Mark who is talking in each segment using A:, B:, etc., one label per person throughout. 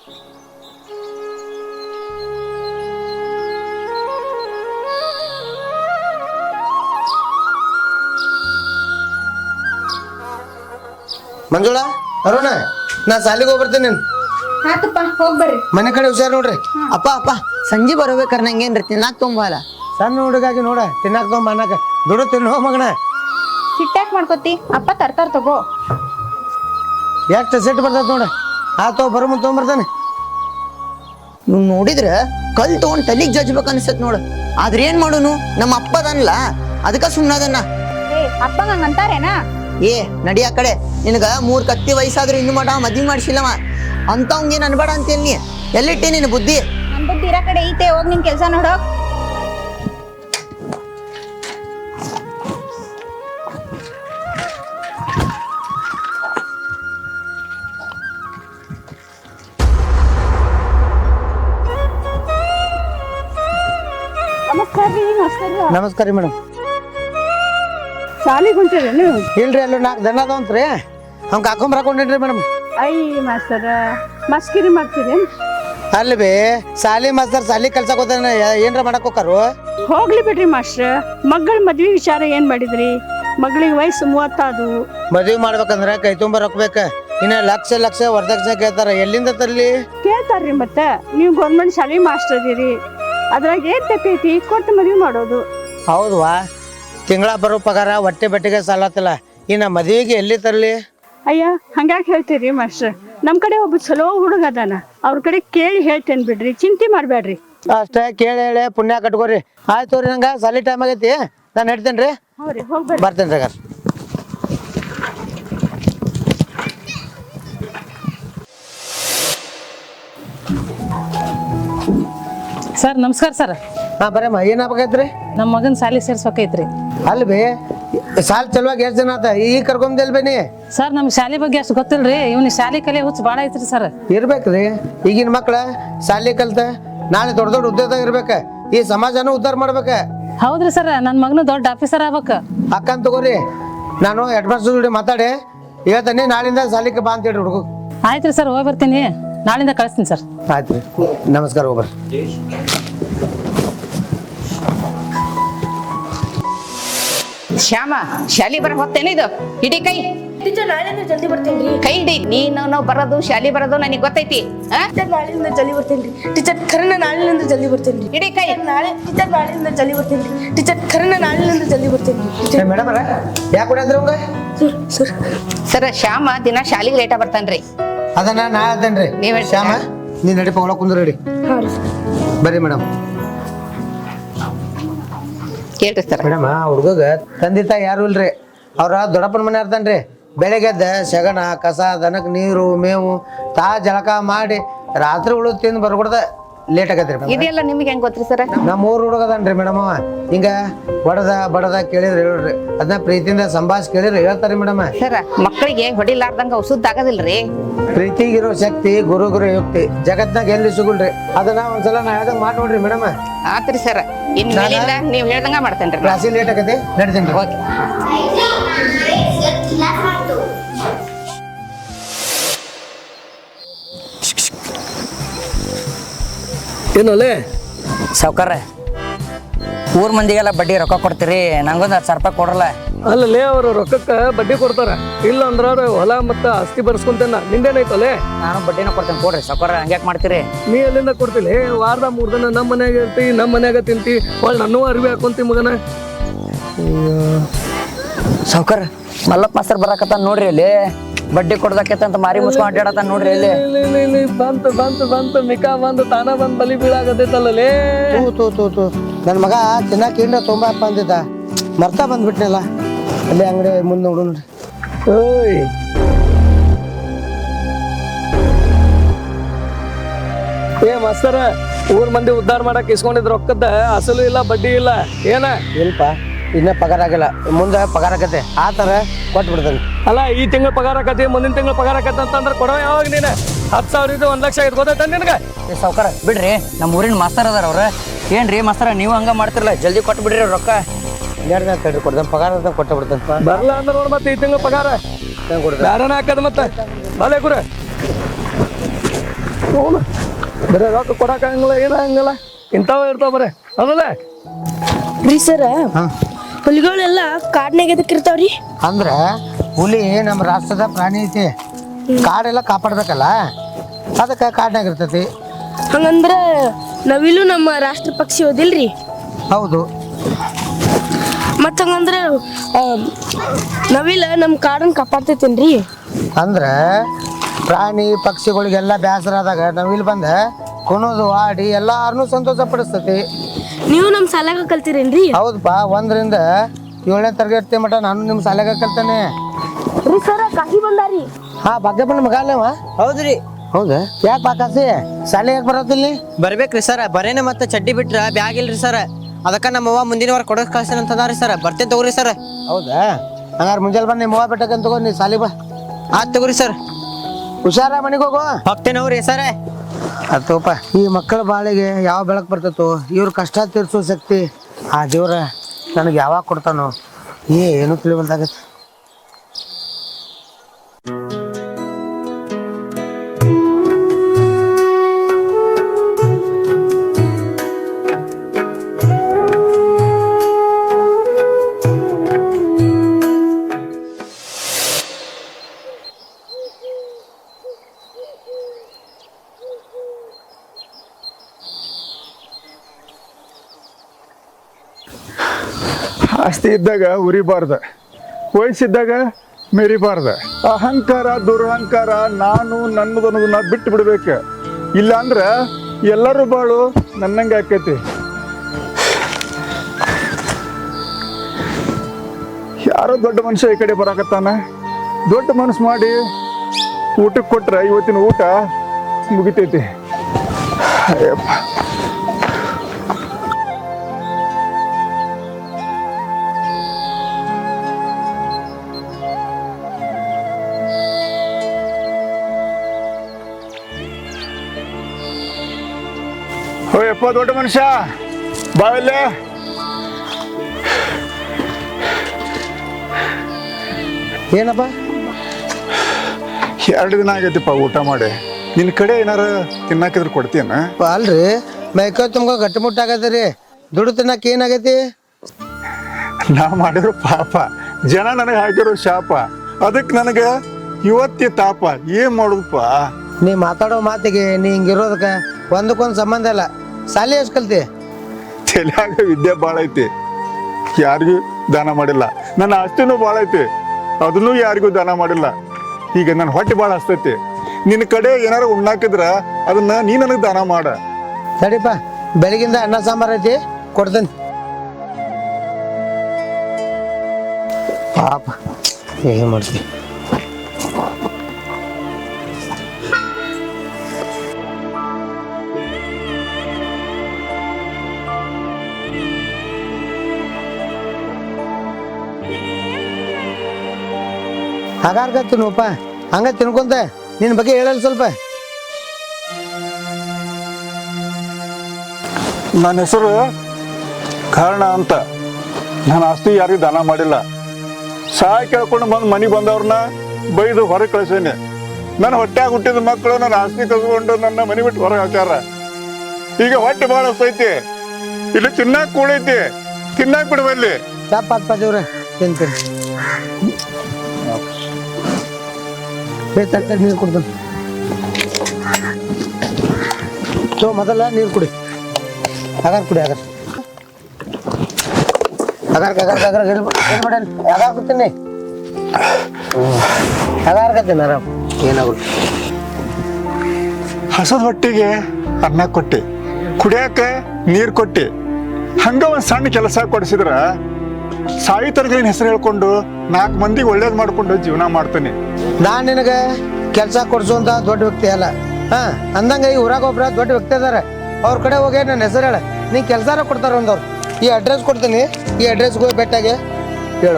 A: ಮಂಜುಳಾ ಅರುಣ ನಾ ಸಾಲಿಗೆ ಹೋಗ್ಬರ್ತೇನೆ.
B: ಆತಪ್ಪ ಹೋಗ್ಬರ್ರಿ.
A: ಮನೆ ಕಡೆ ಹುಷಾರ್ ನೋಡ್ರಿ.
C: ಅಪ್ಪ ಅಪ್ಪ ಸಂಜೆ ಬರಬೇಕಾರ ನಂಗೇನ್ರಿ ತಿನ್ನಾಕ್ ತುಂಬಲ್ಲ.
A: ಸಣ್ಣ ಹುಡುಗಾಗಿ ನೋಡ ತಿನ್ನಾಕ ತೊಗೊಂಬ ಅನ್ನಕ ದುಡ್ಡು ತಿನ್ನು ಹೋ ಮಗನ.
B: ಸಿಟ್ಟಾಕ್ ಮಾಡ್ಕೋತಿ ಅಪ್ಪ ತರ್ತಾರ ತಗೋ.
A: ಎಷ್ಟು ಸೆಟ್ ಬರ್ತದ ನೋಡ. ಆತೋ ಬರೋ ಮುಂದೆ ತೊಗೊಂಬರ್ತಾನೆ.
C: ನೀವು ನೋಡಿದ್ರ ಕಲ್ ತಗೊಂಡ್ ತಲಿಗ್ ಜಜ್ಬೇಕ ಅನ್ಸತ್ ನೋಡು. ಆದ್ರ ಏನ್ ಮಾಡೋನು, ನಮ್ಮ ಅಪ್ಪದನ್ಲ ಅದಕ್ಕ ಸುಮ್ನದನ್ನ.
B: ಅಪ್ಪಂಗ ಹಂಗಂತಾರೇನಾ?
C: ಏ ನಡಿ ಆ ಕಡೆ. ನಿನಗ 3 ಕತ್ತಿ ವಯಸ್ಸಾದ್ರೂ ಇನ್ನು ಮಾಡ ಮದ್ವಿ ಮಾಡ್ಸಿಲ್ಲವ ಅಂತವಂಗೇನ್ ಅನ್ಬೇಡ ಅಂತೇಳಿ ನೀ ಎಲ್ಲಿಟ್ಟಿ ನಿನ್ನ ಬುದ್ಧಿ?
B: ನನ್ ಬುದ್ಧಿ ಇರ ಕಡೆ ಐತೆ, ಹೋಗ್ ನಿನ್ ಕೆಲ್ಸ ನೋಡೋ. ನಮಸ್ಕಾರ ರೀ.
A: ನಮಸ್ಕಾರ ರೀ ಮೇಡಮ್.
D: ಶಾಲಿಗೆ ಹೊಂಟಿರಿ ನೀವು?
A: ಇಲ್ರಿ ಅಲ್ಲೂ 4 ದನ ಅದಾವಂತ್ರಿ, ಅವ್ನ ಹಾಕೊಂಬರಾಕೊಂಡೇನ್ರಿ ಮೇಡಮ್.
D: ಐ ಮಾಸ್ತರ ಮಸ್ಕಿರಿ ಮಾಡ್ತೀರಿ?
A: ಅಲ್ಲಿ ಬಿ ಸಾಲಿ ಮಾಸ್ತರ್ ಸಾಲಿ ಕಲ್ಸಕ್ ಹೋತಾನ, ಏನ್ರ ಮಾಡಕ್ ಹೋಗಾರು?
D: ಹೋಗ್ಲಿ ಬಿಡ್ರಿ ಮಾಸ್ಟ್ರ. ಮಗಳ ಮದ್ವಿ ವಿಚಾರ ಏನ್ ಮಾಡಿದ್ರಿ? ಮಗಳಿಗೆ ವಯಸ್ಸು 30 ಆದು.
A: ಮದ್ವಿ ಮಾಡ್ಬೇಕಂದ್ರ ಕೈ ತುಂಬ ರೊಕ್ಬೇಕ. ಇನ್ನ ಲಕ್ಷ ಲಕ್ಷ ವರದಕ್ಷಿಣೆ ಕೇಳ್ತಾರ, ಎಲ್ಲಿಂದ ತರ್ಲಿ?
D: ಕೇಳ್ತಾರ್ರಿ. ಮತ್ತೆ ನೀವು ಗೌರ್ಮೆಂಟ್ ಶಾಲೆ ಮಾಸ್ಟರ್ ಅದೀರಿ, ಅದ್ರಾಗ ಏನ್ ತಪ್ಪೈತಿ? ಕೊಟ್ಟು ಮದ್ವಿ ಮಾಡೋದು.
A: ಹೌದ್ವಾ, ತಿಂಗಳ ಬರೋ ಪಗಾರ ಹೊಟ್ಟೆ ಬಟ್ಟೆಗೆ ಸಾಲತ್ತಲ್ಲ, ಇನ್ನ ಮದ್ವಿಗೆ ಎಲ್ಲಿ ತರ್ಲಿ?
D: ಅಯ್ಯ ಹಂಗ್ಯಾಕೆ ಹೇಳ್ತೀರಿ ಮಾಸ್ಟರ್? ನಮ್ ಕಡೆ ಒಬ್ಬ ಚಲೋ ಹುಡುಗ ಅದಾನ, ಅವ್ರ ಕಡೆ ಕೇಳಿ ಹೇಳ್ತೇನೆ ಬಿಡ್ರಿ, ಚಿಂತೆ ಮಾಡ್ಬೇಡ್ರಿ.
A: ಅಷ್ಟೇ ಕೇಳಿ ಹೇಳಿ ಪುಣ್ಯ ಕಟ್ಕೋರಿ. ಆಯ್ತು ರೀ, ನಂಗೆ ಸಾಲಿ ಟೈಮ್ ಆಗೈತಿ, ನಾನು ಹೇಳ್ತೇನೆ ರೀ.
D: ಹೌದ್ರಿ, ಹೋಗ್ಬೇಡ್ರಿ.
A: ಬರ್ತೇನೆ ರೀ.
E: ಸರ್ ನಮಸ್ಕಾರ ಸರ್.
A: ಹಾಂ ಬರಮ್ಮ, ಏನಾಗಬೇಕೈತ್ರಿ?
E: ನಮ್ಮ ಮಗನ ಸಾಲಿ ಸೇರ್ಸ್ಬೇಕೈತ್ರಿ.
A: ಅಲ್ಲಿ ಬಿ ಸಾಲ್ ಚಲುವಾಗಿ ಎಷ್ಟು ಜನ ಆತ ಈಗ ಕರ್ಕೊಂಬದಿಲ್ ಬೇನಿ?
E: ಸರ್ ನಮ್ ಶಾಲೆ ಬಗ್ಗೆ ಅಷ್ಟು ಗೊತ್ತಿಲ್ರಿ, ಇವ್ನ ಶಾಲೆ ಕಲೆ ಹುಚ್ಚ ಬಾಳ ಐತ್ರಿ ಸರ್.
A: ಇರ್ಬೇಕ್ರಿ, ಈಗಿನ ಮಕ್ಳ ಸಾಲಿ ಕಲ್ತ ನಾಳೆ ದೊಡ್ಡ ದೊಡ್ಡ ಉದ್ಯೋಗ ಇರ್ಬೇಕ, ಈ ಸಮಾಜನೂ ಉದ್ಧಾರ ಮಾಡ್ಬೇಕ.
E: ಹೌದ್ರಿ ಸರ್, ನನ್ನ ಮಗನು ದೊಡ್ಡ ಆಫೀಸರ್ ಆಗ್ಬೇಕ.
A: ಅಕ್ಕಂತ ತಗೋರಿ, ನಾನು ಹೆಡ್ ಮಾಸ್ಟರ್ ಜೋಡಿ ಮಾತಾಡಿ ಹೇಳ್ತಾನೆ, ನಾಳಿಂದ ಸಾಲಿಗೆ ಬಾ ಅಂತ ಹೇಳಿ ಹುಡುಗ.
E: ಆಯ್ತ್ರಿ ಸರ್, ಹೋಗಿ ಬರ್ತೀನಿ, ನಾಳಿಂದ ಕಳಿಸ್ತೀನಿ ಸರ್.
A: ಆಯ್ತು ರೀ, ನಮಸ್ಕಾರ. ಹೋಗ್ಬರ್ರಿ.
F: ಶ್ಯಾಮ, ಶಾಲಿ ಬರ ಹೊತ್ತೇನ ಇದು? ಹಿಡಿ ಕೈ.
G: ನಾಳೆಯಿಂದ ಜಲ್ದಿ ಬರ್ತೇನ್ರಿ.
F: ಕೈ ಹಿಡಿ. ನೀನು ಬರೋದು ಶಾಲಿ ಬರೋದು ನನಗೆ ಗೊತ್ತೈತಿ.
G: ನಾಳೆಯಿಂದ ಜಲ್ದಿ ಬರ್ತೇನ್ರಿ ಟೀಚರ್. ಖರೇನ ನಾಳೆಯಿಂದ ಜಲ್ದಿ ಬರ್ತೇನ್ರಿ.
F: ಹಿಡಿ ಕೈ.
G: ಟೀಚರ್ ನಾಳೆಯಿಂದ ಜಲ್ದಿ ಬರ್ತೇನ್ರಿ ಟೀಚರ್. ಖರೇನ ನಾಳೆಯಿಂದ ಜಲ್ದಿ ಬರ್ತೇನ್ರಿ.
A: ಮೇಡಮ್ ಅರ ಯಾಕೆ ಕೊಡಂದ್ರಿ ಅವಂಗ?
F: ಸರ್ ಶ್ಯಾಮ ದಿನ ಶಾಲಿಗೆ ಲೇಟ ಬರ್ತಾನ್ರಿ.
A: ಅದನ್ನ ನಾ ಹೇಳ್ತೇನ್ರಿ.
F: ನೀವ್ ಹೇಳ್ತೀರಾ?
A: ಶ್ಯಾಮ ನೀ ನಡಿಪ ಒಳಗೆ ಕುಂದ್ರ ರೆಡಿ. ಬರ್ರಿ ಮೇಡಮ್.
F: ಕೇಳ್ರಿ ಸರ್.
A: ಮೇಡಮ್, ಹುಡುಗ ತಂದೆ ತಾಯಿ ಯಾರು ಇಲ್ರಿ, ಅವ್ರ ದೊಡ್ಡಪ್ಪನ ಮನೆ ಇರ್ತಾನ್ರಿ. ಬೆಳಗ್ಗೆ ಎದ್ದ ಸೆಗಣ ಕಸ ದನಕ್ ನೀರು ಮೇವು ತಾ ಜಳಕ ಮಾಡಿ ರಾತ್ರಿ ಉಳಿದು ತಿಂದು ಬರ್ಕೊಡ್ದ ಲೇಟ್ ಆಗತ್ರಿ.
F: ಇದೆಲ್ಲ ನಿಮ್ಗೆ ಹೆಂಗ್ ಗೊತ್ತ್ರಿ ಸರ್?
A: ನಮ್ಮ ಊರ್ ಹುಡುಗದನ್ರಿ ಮೇಡಮ್. ಅವ ಹಿಂಗ ಬಡದ ಬಡದ ಕೇಳಿದ್ರೆ ಹೇಳ್ರಿ, ಅದನ್ನ ಪ್ರೀತಿಯಿಂದ ಸಂಭಾಷ್ ಕೇಳಿದ್ರೆ ಹೇಳ್ತಾರಿ ಮೇಡಮ್.
F: ಸರ್ ಮಕ್ಕಳಿಗೆ ಹೊಡಿಲಾರ್ದಂಗ ಔಷಧ ಆಗದಿಲ್ರಿ.
A: ಪ್ರೀತಿಗಿರೋ ಶಕ್ತಿ ಗುರುಗುರು ಯುಕ್ತಿ ಜಗತ್ನಾಗ ಎಲ್ಲಿ ಸಿಗುಲ್ರಿ. ಅದನ್ನ ಒಂದ್ಸಲ ನಾ ಹೇಳ್ದಂಗ ಮಾಡಿ ನೋಡ್ರಿ ಮೇಡಮ್.
F: ಆತ್ರಿ ಸರ್, ಇನ್ ಮೇಲಿಂದ ನೀವ್ ಹೇಳ್ದಂಗ ಮಾಡ್ತೇನ್ರಿ.
A: ಕ್ಲಾಸಿ ಲೇಟ್ ಆಗತ್ತೆ, ನಡ್ತೇನ್ರಿ.
F: ಓಕೆ.
H: ಏನಲ್ಲೇ
I: ಸಾವ್ಕಾರ, ಊರ್ ಮಂದಿಗೆಲ್ಲ ಬಡ್ಡಿ ರೊಕ್ಕ ಕೊಡ್ತೀರಿ, ನಂಗೊಂದು 10,000 ರೂಪಾಯಿ ಕೊಡ್ರಲ್ಲ.
H: ಅಲ್ಲಲ್ಲೇ ಅವರು ರೊಕ್ಕಕ್ಕೆ ಬಡ್ಡಿ ಕೊಡ್ತಾರ, ಇಲ್ಲ ಅಂದ್ರ ಅವ್ರ ಹೊಲ ಮತ್ತ ಆಸ್ತಿ ಬರ್ಸ್ಕೊಂತೇನ. ನಿಂದೇನೈತಲ್ಲೇ?
I: ನಾನು ಬಡ್ಡಿನ ಕೊಡ್ತೇನೆ, ಕೊಡ್ರಿ ಸಾವ್ಕಾರ. ಹಂಗ್ಯಾಕೆ ಮಾಡ್ತೀರಿ?
H: ನೀ ಎಲ್ಲಿಂದ ಕೊಡ್ತಿಲ್ಲ? ವಾರದ 3 ದಿನ ನಮ್ಮ ಮನ್ಯಾಗ ಇರ್ತಿ, ನಮ್ಮ ಮನ್ಯಾಗ ತಿಂತಿ, ಒಳ್ಳೆ ನನ್ನೂ ಅರಿವಿ ಹಾಕೊಂತಿ ಮಗನ.
I: ಸಾವ್ಕಾರ, ಮಲ್ಲಪ್ಪ ಮಾಸ್ತರ್ ಬರಾಕತ್ತ ನೋಡ್ರಿ ಅಲ್ಲಿ, ಬಡ್ಡಿ ಕೊಡ್ದಕ್ಕಂತ ಮಾರಿ ಮುಸ್ಕೊಂಡ್ ಅಡ್ಡಾಡತ್ತ ನೋಡ್ರಿ ಅಲ್ಲಿ.
H: ಬಂತು ಬಂತು ಬಂತು ಮಿಕಾ ಬಂದು ತಾನ ಬಂದ್ ಬಲಿ ಬೀಳಾಗತ್ತೈತಲ್ಲೇ.
A: ತೂ ನನ್ನ ಮಗ ತಿನ್ನಕ್ಕೆ ಏನ್ರ ತೊಂಬಪ್ಪ ಅಂದಿದ್ದ, ಮರ್ತಾ ಬಂದ್ಬಿಟ್ನಲ್ಲ. ಅಲ್ಲಿ ಅಂಗಡಿ ಮುಂದೆ ನೋಡು ನೋಡ್ರಿ.
H: ಓಯ್ ಏ ಮಾಸ್ತರ, ಊರ್ ಮಂದಿ ಉದ್ಧಾರ ಮಾಡಕ್ ಇಸ್ಕೊಂಡಿದ್ ರೊಕ್ಕದ ಅಸಲು ಇಲ್ಲ ಬಡ್ಡಿ ಇಲ್ಲ ಏನ?
A: ಇಲ್ಪ ಇನ್ನ ಪಗಾರ ಆಗಿಲ್ಲ, ಮುಂದೆ ಪಗಾರ ಆಗತ್ತೆ, ಆ ಥರ ಕೊಟ್ಟು ಬಿಡ್ತಾನೆ.
H: ಅಲ್ಲ, ಈ ತಿಂಗಳ ಪಗಾರ ಆಕತಿ, ಮುಂದಿನ ತಿಂಗಳ ಪಗಾರ ಆಕತಿ ಅಂತಂದ್ರೆ ಕೊಡವ ಯಾವಾಗ ನೀನು? 10,000 ಇದು 1,00,000 ಇದು ಗೊತ್ತೈತ ನಿನಗೆ?
I: ಏ ಸಾವ್ಕಾರ ಬಿಡ್ರಿ, ನಮ್ಮ ಊರಿನ ಮಾಸ್ತರ್ ಅದಾರ ಅವ್ರ. ಏನ್ರಿ ಮಾಸ್ತರ ನೀವು ಹಂಗ ಮಾಡ್ತಿರಲ್ಲ, ಜಲ್ದಿ ಕೊಟ್ಟು ಬಿಡ್ರಿ ರೊಕ್ಕ.
A: 2 ದಿನ ತಡ್ರಿ ಕೊಡ್ತಾನೆ, ಪಗಾರ ಅಂತ ಕೊಟ್ಟು ಬಿಡ್ತಾನೆ.
H: ಬರ್ಲ ಅಂದ್ರೆ ನೋಡಿ ಮತ್ತೆ ಈ ತಿಂಗಳ ಪಗಾರ
A: ಕೊಡ್ತಾನೆ.
H: ಬೇರೆನ ಹಾಕದ ಮತ್ತೆ ಬಲೆ ಗುರ. ಹೌದು ಬರೀ ರೊಕ್ಕ ಕೊಡಕ್ಕಾಗಂಗಿಲ್ಲ ಏನಾಗಂಗಿಲ್ಲ ಇಂಥವ ಇರ್ತಾವ ಬರೇ ಹೌದಲ್ಲ
G: ರೀ ಸರ ಹುಲಿಗಳೆಲ್ಲ ಕಾಡ್ನಾಗ ಎದಕ್ಕೆ ಇರ್ತಾವ್ರಿ?
A: ಅಂದ್ರ ಹುಲಿ ನಮ್ಮ ರಾಷ್ಟ್ರದ ಪ್ರಾಣಿ ಐತಿ, ಕಾಡೆಲ್ಲ ಕಾಪಾಡ್ಬೇಕಲ್ಲ, ಅದಕ್ಕೆ ಕಾಡ್ನಾಗ ಇರ್ತೈತಿ.
G: ಹಂಗಂದ್ರ ನವಿಲು ನಮ್ಮ ರಾಷ್ಟ್ರ ಪಕ್ಷಿ ಓದಿಲ್ರಿ?
A: ಹೌದು.
G: ಮತ್ತ ಹಂಗಂದ್ರ ನವಿಲ ನಮ್ಮ ಕಾಡನ್ನ ಕಾಪಾಡ್ತೈತೇನ್ರಿ?
A: ಅಂದ್ರೆ ಪ್ರಾಣಿ ಪಕ್ಷಿಗಳಿಗೆಲ್ಲ ಬೇಸರ ಆದಾಗ ನಾವಿಲ್ಲಿ ಬಂದ ಕುಣೋದು ಆಡಿ ಎಲ್ಲಾರನ್ನೂ ಸಂತೋಷ ಪಡಿಸ್ತೈತಿ.
G: ನೀವು ನಮ್ಮ ಶಾಲ್ಯಾಗ ಕಲ್ತಿರೇನ್ರಿ?
A: ಹೌದಪ್ಪ, 1ರಿಂದ 7ನೇ ತರಗತಿ ಮಟ ನಾನು ನಿಮ್ಮ ಶಾಲೆಗೆ ಕಲ್ತಾನೆ.
G: ರೀ ಸರ ಕಾಶಿ ಬಂದಾರಿ.
A: ಹಾ, ಭಾಗ್ಯಪ್ಪನ ಮಗ ಅಲ್ಲವ?
C: ಹೌದ್ರಿ.
A: ಹೌದಾ? ಯಾಕೆ ಬಾಕಾಸಿ ಶಾಲೆ ಯಾಕೆ ಬರೋದಿಲ್ಲ?
C: ಬರ್ಬೇಕ್ರಿ ಸರ್, ಬರೇನೆ ಮತ್ತೆ ಚಡ್ಡಿ ಬಿಟ್ರ ಬ್ಯಾಗ್ ಇಲ್ರಿ ಸರ್, ಅದಕ್ಕ ನಮ್ಮವ್ವ ಮುಂದಿನ ವಾರ ಕೊಡೋಕ್ ಕಳ್ಸೇನೆ ಅಂತದಾರಿ ಸರ್. ಬರ್ತೇನೆ ತಗೋರಿ ಸರ್.
A: ಹೌದಾ? ಹಂಗಾರೆ ಮುಂಜಾನೆ ಬಂದು ನಿಮ್ಮ ಅವ್ವ ಬೆಟ್ಟಕಂತ ತಗೋ, ನೀ ಶಾಲೆ ಬಾ.
C: ಆತ್ ತಗೋರಿ ಸರ್.
A: ಹುಷಾರ, ಮನೆಗೆ ಹೋಗು.
C: ಹೋಗ್ತೇನೆ ಅವ್ರಿ ಸರ್.
A: ಅತ್ತೋಪ, ಈ ಮಕ್ಕಳ ಬಾಳಿಗೆ ಯಾವ ಬೆಳಕು ಬರ್ತೈತೋ, ಇವ್ರ ಕಷ್ಟ ತೀರ್ಸೋ ಶಕ್ತಿ ಆ ದೇವ್ರ ನನಗೆ ಯಾವಾಗ ಕೊಡ್ತಾನೋ ಏನು ತಿಳಿಬಲ್ದಾಗತ್ತೆ.
J: ಆಸ್ತಿ ಇದ್ದಾಗ ಉರಿಬಾರ್ದ, ವಯಸ್ಸಿದ್ದಾಗ ಮೆರಿಬಾರ್ದ. ಅಹಂಕಾರ ದುರಹಂಕಾರ ನಾನು ನನ್ನದನ್ನೋದನ್ನ ಬಿಟ್ಟು ಬಿಡ್ಬೇಕು. ಇಲ್ಲ ಅಂದ್ರೆ ಎಲ್ಲರೂ ಬಾಳು ನನ್ನಂಗೆ ಆಕೈತಿ. ಯಾರೋ ದೊಡ್ಡ ಮನುಷ್ಯ ಈ ಕಡೆ ಬರಾಕತ್ತಾನ, ದೊಡ್ಡ ಮನಸ್ಸು ಮಾಡಿ ಊಟಕ್ಕೆ ಕೊಟ್ರೆ ಇವತ್ತಿನ ಊಟ ಮುಗಿತೈತಿ. ಅಯ್ಯಪ್ಪ, ಓಯಪ್ಪ ದೊಡ್ಡ ಮನುಷ್ಯ ಬಾವಲ್ಲೇ.
A: ಏನಪ್ಪ?
J: 2 ದಿನ ಆಗೈತಿಪ್ಪ ಊಟ ಮಾಡಿ. ನಿನ್ನ ಕಡೆ ಏನಾರ ತಿನ್ನಾಕಿದ್ರೆ ಕೊಡ್ತೀಯನ?
A: ಅಲ್ರಿ, ಮೈಕೈ ತುಂಬ ಗಟ್ಟಿಮುಟ್ಟಾಗತ್ತೆ ರೀ, ದುಡ್ಡು ತಿನ್ನಕ್ಕೆ ಏನಾಗೈತಿ?
J: ನಾ ಮಾಡಿರೋ ಪಾಪ, ಜನ ನನಗೆ ಹಾಕಿರೋ ಶಾಪ, ಅದಕ್ಕೆ ನನಗೆ ಇವತ್ತಿ ತಾಪ. ಏನ್ ಮಾಡುದಪ್ಪ?
A: ನೀ ಮಾತಾಡೋ ಮಾತಿಗೆ ನೀ ಹಿಂಗಿರೋದಕ್ಕೆ ಒಂದಕ್ಕೊಂದು ಸಂಬಂಧ ಇಲ್ಲ. ಶಾಲೆ ಎಷ್ಟು ಕಲ್ತಿ?
J: ತಲೆಯಾಗ ವಿದ್ಯೆ ಭಾಳ ಐತಿ, ಯಾರಿಗೂ ದಾನ ಮಾಡಿಲ್ಲ. ನನ್ನ ಆಸ್ತಿನೂ ಭಾಳ ಐತಿ, ಅದನ್ನೂ ಯಾರಿಗೂ ದಾನ ಮಾಡಿಲ್ಲ. ಈಗ ನನ್ನ ಹೊಟ್ಟೆ ಭಾಳ ಹಸ್ತೈತಿ. ನಿನ್ನ ಕಡೆ ಏನಾರು ಉಣ್ಣಾಕಿದ್ರ ಅದನ್ನ ನೀ ನನಗೆ ದಾನ ಮಾಡ.
A: ಸರಿಪ್ಪ, ಬೆಳಗಿಂದ ಅನ್ನ ಸಾಂಬಾರು ಐತಿ, ಕೊಡ್ತೇನೆ. ಪಾಪ ಏನು ಮಾಡ್ತಿ? ಹಾಗಾರ್ಗ ತಿನ್ನುವಪ್ಪ, ಹಂಗ ತಿನ್ಕೊಂತ ನಿನ್ನ ಬಗ್ಗೆ ಹೇಳಲ್ಲ ಸ್ವಲ್ಪ.
J: ನನ್ನ ಹೆಸರು ಕಾರಣ ಅಂತ. ನಾನು ಆಸ್ತಿ ಯಾರಿಗೂ ದಾನ ಮಾಡಿಲ್ಲ. ಸಹಾಯ ಕೇಳ್ಕೊಂಡು ಬಂದು ಮನೆಗೆ ಬಂದವ್ರನ್ನ ಬೈದು ಹೊರಗೆ ಕಳಿಸೇನೆ. ನನ್ನ ಹೊಟ್ಟೆಯಾಗ ಹುಟ್ಟಿದ ಮಕ್ಕಳು ನನ್ನ ಆಸ್ತಿ ಕಸ್ಕೊಂಡು ನನ್ನ ಮನೆ ಬಿಟ್ಟು ಹೊರಗೆ ಹಾಕ್ಯಾರ. ಈಗ ಹೊಟ್ಟೆ ಭಾಳ ಹಸ್ತೈತಿ, ಇಲ್ಲಿ ತಿನ್ನಾಕ ಕೂಡೈತಿ, ತಿನ್ನಾಕ ಬಿಡುವಲ್ಲಿ.
A: ಚಪ್ಪ ದೇವ್ರ ತಿಂತೀನಿ. ತರ್ತಾರೆ, ನೀರು ಕುಡ್ದು ಮೊದಲ ನೀರು ಕುಡಿ. ಆಗಾರ ಕುಡಿ, ಆಗಾರ ಆಗಾರ ಕೂತೀನಿ. ಆಗಾರ್ಗತ್ತೀನಿ ಆರಾಮ್, ಏನಾಗುತ್ತೆ.
J: ಹಸದ ಹೊಟ್ಟಿಗೆ ಅನ್ನ ಕೊಟ್ಟೆ, ಕುಡಿಯಾಕ ನೀರು ಕೊಟ್ಟೆ. ಹಂಗ ಒಂದು ಸಣ್ಣ ಕೆಲಸ ಕೊಡಿಸಿದ್ರ ಸಾಯಿತರ್ಗಿನ ಹೆಸರು ಹೇಳ್ಕೊಂಡು 4 ಮಂದಿಗೆ ಒಳ್ಳೇದು ಮಾಡ್ಕೊಂಡು ಜೀವನ ಮಾಡ್ತಾನೆ.
A: ನಾನ್ ನಿನಗೆ ಕೆಲಸ ಕೊಡ್ಸುವಂತ ದೊಡ್ಡ ವ್ಯಕ್ತಿ ಅಲ್ಲ. ಅಂದಂಗ ಈ ಊರಾಗ ಒಬ್ರ ದೊಡ್ಡ ವ್ಯಕ್ತಿ ಅದಾರ, ಅವ್ರ ಕಡೆ ಹೋಗಿ ನನ್ನ ಹೆಸರು ಹೇಳ, ನೀ ಕೆಲಸಾರ ಕೊಡ್ತಾರ ಒಂದವ್ರು. ಈ ಅಡ್ರೆಸ್ ಕೊಡ್ತೀನಿ, ಈ ಅಡ್ರೆಸ್ಗೆ ಹೋಗಿ ಬೆಟ್ಟಾಗೆ ಹೇಳು.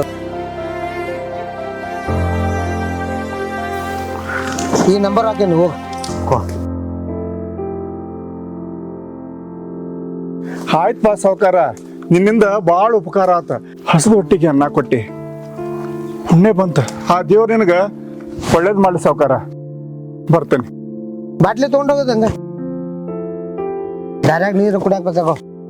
A: ಈ ನಂಬರ್ ಹಾಕೀನಿ, ಹೋಗು.
J: ಆಯ್ತು ಸಾವುಕಾರ, ನಿನ್ನಿಂದ ಭಾಳ ಉಪಕಾರ ಆತ. ಹಸದ ಹೊಟ್ಟಿಗೆ ಅನ್ನ ಕೊಟ್ಟಿ, ಪುಣ್ಯ ಬಂತ. ಆ ದೇವ್ರ ನಿನಗ ಒಳ್ಳೇದು ಮಾಡಿ ಸಾವುಕಾರ. ಬರ್ತೇನೆ.
A: ಬಾಟ್ಲಿ ತೊಗೊಂಡೋಗೋದಂಗ ದಾರ್ಯಾಗ ನೀರು ಕುಡಿಯಾಕ ಬತ್ತಾಗೋ.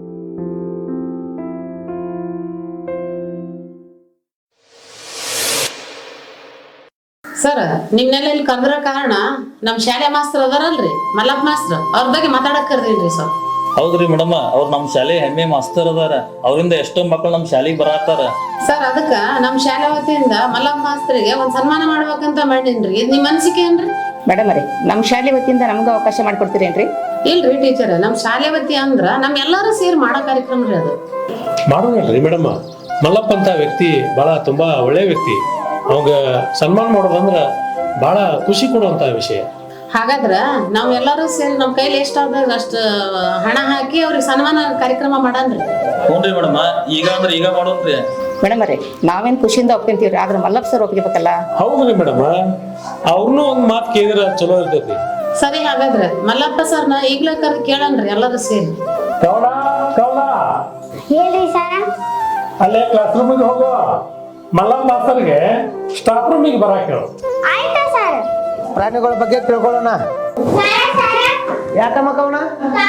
E: ಸರ್ ನಿಮ್ನೆಲ್ಲ ಇಲ್ಲಿ ಕರ್ದ್ರ ಕಾರಣ ನಮ್ ಶಾಲೆ ಮಾಸ್ತರ್ ಅದಾರಲ್ರಿ ಮಲ್ಲಪ್ಪ ಮಾಸ್ತರ್ ಅವ್ರ ಬಗ್ಗೆ ಮಾತಾಡಕ್ ಕರ್ದಿನ್ರಿ ಸರ್.
K: ಹೌದ್ರಿ ಮೇಡಮ್, ಅವ್ರು ನಮ್ ಶಾಲೆ ಹೆಮ್ಮೆ ಮಾಸ್ತರ್ ಅದಾರ. ಅವರಿಂದ ಎಷ್ಟೋ ಮಕ್ಕಳು ನಮ್ ಶಾಲೆಗೆ ಬರಾತಾರ.
E: ಸರ್ ಅದಕ್ಕ ನಮ್ ಶಾಲೆ ವತಿಯಿಂದ ಮಲ್ಲಪ್ಪ ಮಾಸ್ತರಿಗೆ ಒಂದ್ ಸನ್ಮಾನ ಮಾಡ್ಬೇಕಂತ ಮಾಡೀನ್ರಿ. ಇದ್ ನಿಮ್ ಅನ್ಸಿಕೆ ಏನ್ರಿ?
F: ಮೇಡಮ್ ರೀ ನಮ್ಮ ಶಾಲೆ ವತಿಯಿಂದ ನಮ್ಗೆ ಅವಕಾಶ ಮಾಡ್ಕೊಡ್ತೀರೇನ್ರಿ?
E: ಇಲ್ರಿ ಟೀಚರ್, ನಮ್ ಶಾಲೆ ವತಿ ಅಂದ್ರ ನಮ್ ಎಲ್ಲಾರು ಸೇರಿ ಮಾಡೋ ಕಾರ್ಯಕ್ರಮ ರೀ ಅದು.
L: ಮಾಡೋಣಲ್ರಿ ಮೇಡಮ್. ಮಲ್ಲಪ್ಪ ಅಂತ ವ್ಯಕ್ತಿ ಬಹಳ ತುಂಬಾ ಒಳ್ಳೆ ವ್ಯಕ್ತಿ. ಅವಾಗ ಸನ್ಮಾನ ಮಾಡೋದಂದ್ರ ಬಹಳ ಖುಷಿ ಕೊಡುವಂತ ವಿಷಯ.
E: ಹಾಗಾದ್ರ ನಾವ್ ಎಲ್ಲಾರು ಸೇರಿ ನಮ್ ಕೈಲಿ ಎಷ್ಟಾದಾಗ ಅಷ್ಟ ಹಣ ಹಾಕಿ ಅವ್ರಿಗೆ ಸನ್ಮಾನ ಕಾರ್ಯಕ್ರಮ ಮಾಡನ್ರಿ.
K: ಹ್ಞೂನ್ರಿ ಮೇಡಮ್, ಈಗ ಅಂದ್ರೆ ಈಗ ಮಾಡೋಣ್ರಿ.
F: ಮೇಡಮ್ ರೀ ನಾವೇನ್ ಖುಷಿಯಿಂದ ಒಪ್ಕೊಂತೀವ್ರಿ, ಆದ್ರೆ ಮಲ್ಲಪ್ಪ ಸರ್ ಒಪ್ಕೋಬೇಕಲ್ಲ.
L: ಹೌದ್ರಿ ಮೇಡಮ್, ಅವ್ರನ್ನೂ ಒಂದ್ ಮಾತು ಕೇಳಿದ್ರ ಚಲೋ ಇರ್ತೈತಿ.
E: ಸರಿ, ಹಾಗಾದ್ರೆ ಮಲ್ಲಪ್ಪ ಸರ್ನ ಈಗ್ಲೇ ಕರೆದು ಕೇಳನ್ರಿ ಎಲ್ಲಾರು ಸೇರಿ.
L: ಅಲ್ಲೇ ಕ್ಲಾಸ್ ರೂಮಿಗೆ ಹೋಗೋ, ಮಲ್ಲಪ್ಪ ಮಾಸ್ತರ್ಗೆ ಸ್ಟಾಫ್ ರೂಮಿಗೆ ಬರಾಕ್ ಹೇಳು.
A: ಪ್ರಾಣಿಗಳ ಬಗ್ಗೆ ತಿಳ್ಕೊಳ್ಳೋಣ. ಯಾಕಮ್ಮ ಕವನ?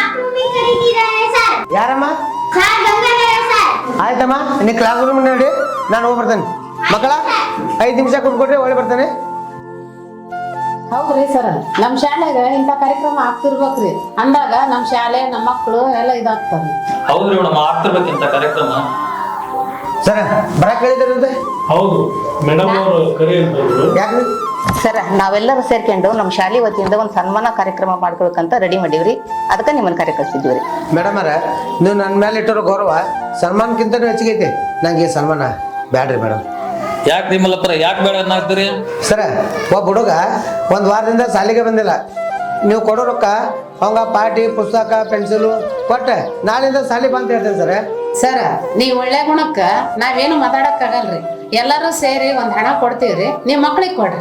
A: ಯಾರಮ್ಮ? ಆಯ್ತಮ್ಮ, ನೀ ಕ್ಲಾಸ್ ರೂಮ್ ನೋಡಿ, ನಾನು ಹೋಗಿ ಬರ್ತೇನೆ. ಮಕ್ಕಳ 5 ನಿಮಿಷ ಕೊಟ್ಕೊಟ್ರೆ ಒಳ್ಳೆ ಬರ್ತೇನೆ.
E: ಹೌದ್ರಿ ಸರ್, ನಮ್ ಶಾಲೆಗ ಇಂತ ಕಾರ್ಯಕ್ರಮ ಆಗ್ತಿರ್ಬೇಕ್ರಿ. ಅಂದಾಗ ನಮ್ ಶಾಲೆ ನಮ್ಮ ಮಕ್ಕಳು ಎಲ್ಲ ಇದಾಗ್ತಾರ.
K: ಹೌದ್ರಿ ಮೇಡಮ್, ಆಗ್ತಿರ್ಬೇಕಿಂತ ಕಾರ್ಯಕ್ರಮ.
A: ಸರ ಬರಕ್ ಹೇಳಿದ್ರಂತೆ?
L: ಹೌದು ಮೇಡಮ್, ಅವರು ಕರೆ ಇರ್ಬೋದು.
A: ಯಾಕ್ರಿ?
F: ಸರ್ ನಾವೆಲ್ಲರೂ ಸೇರ್ಕೊಂಡು ನಮ್ಮ ಶಾಲೆ ವತಿಯಿಂದ ಒಂದು ಸನ್ಮಾನ ಕಾರ್ಯಕ್ರಮ ಮಾಡ್ಕೋಬೇಕಂತ ರೆಡಿ ಮಾಡೀವ್ರಿ. ಅದಕ್ಕೆ ನಿಮ್ಮನ್ನ ಕರೆ ಕಳ್ಸಿದ್ವಿ.
A: ಮೇಡಮ್ ಅರ, ನೀವು ನನ್ನ ಮೇಲೆ ಇಟ್ಟಿರೋ ಗೌರವ ಸನ್ಮಾನಕ್ಕಿಂತ ಹೆಚ್ಚಿಗೆ ಐತಿ. ನಂಗೆ ಈ ಸನ್ಮಾನ ಬ್ಯಾಡ್ರಿ ಮೇಡಮ್.
K: ಯಾಕ್ರಿ ಮಲ್ಲಪ್ಪರ, ಯಾಕೆ ಬೇಡ ಅನ್ನಾಗ್ತೀರಿ?
A: ಸರ, ಒಬ್ಬ ಹುಡುಗ 1 ವಾರದಿಂದ ಶಾಲೆಗೆ ಬಂದಿಲ್ಲ. ನೀವು ಕೊಡೋ ರೊಕ್ಕ ಅವಂಗ ಪಾಟಿ, ಪುಸ್ತಕ, ಪೆನ್ಸಿಲು ಕೊಟ್ಟೆ ನಾಳಿಂದ ಶಾಲೆ ಬಂತ ಹೇಳ್ತೇನೆ ಸರ.
E: ಸರ, ನೀವ್ ಒಳ್ಳೆ ಗುಣಕ್ಕ ನಾವೇನು ಮಾತಾಡಕ್ ಆಗಲ್ರಿ. ಎಲ್ಲಾರು ಸೇರಿ ಒಂದ್ ಹಣ ಕೊಡ್ತೀವ್ರಿ, ನೀವ್ ಮಕ್ಳಿಗೆ ಕೊಡ್ರಿ.